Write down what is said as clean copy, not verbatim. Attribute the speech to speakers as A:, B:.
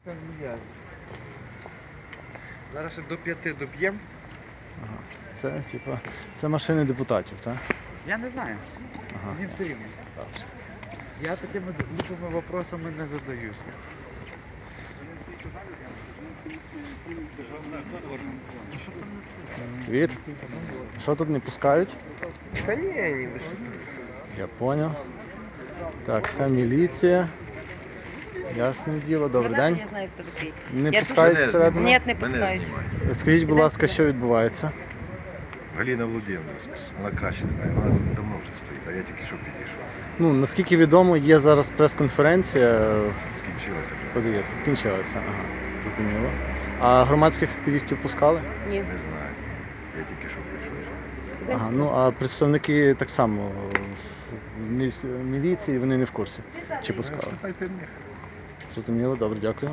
A: Зараз ще до 5 доб'ємо.
B: Ага. Це, типа, це машини депутатів, так?
A: Я не знаю.
B: Ага.
A: Мені все рівно. Я такими глупими вопросами не задаюся.
B: Привіт. Що тут не пускають?
A: Та ні, ні, ви що.
B: Я понял. Так, це міліція. Ясне діло, добрий день.
C: Я знаю, хто такий.
B: Не
C: Я
B: пускають
C: дуже-
B: всередину?
C: Ні, не пускають.
B: Скажіть, будь ласка, що відбувається?
D: Галина Володимирівна, вона краще знає, вона тут давно вже стоїть, а я тільки що підійшов.
B: Ну, наскільки відомо, є зараз прес-конференція.
D: Скінчилася вже.
B: Подається, скінчилася. Ага, зрозуміло. А громадських активістів пускали?
C: Ні.
D: Не знаю. Я тільки що прийшов.
B: Ага, ну а представники так само в міліції, вони не в курсі. Чи пускали?
D: Спитайте в них.
B: Зрозуміло, добре, дякую.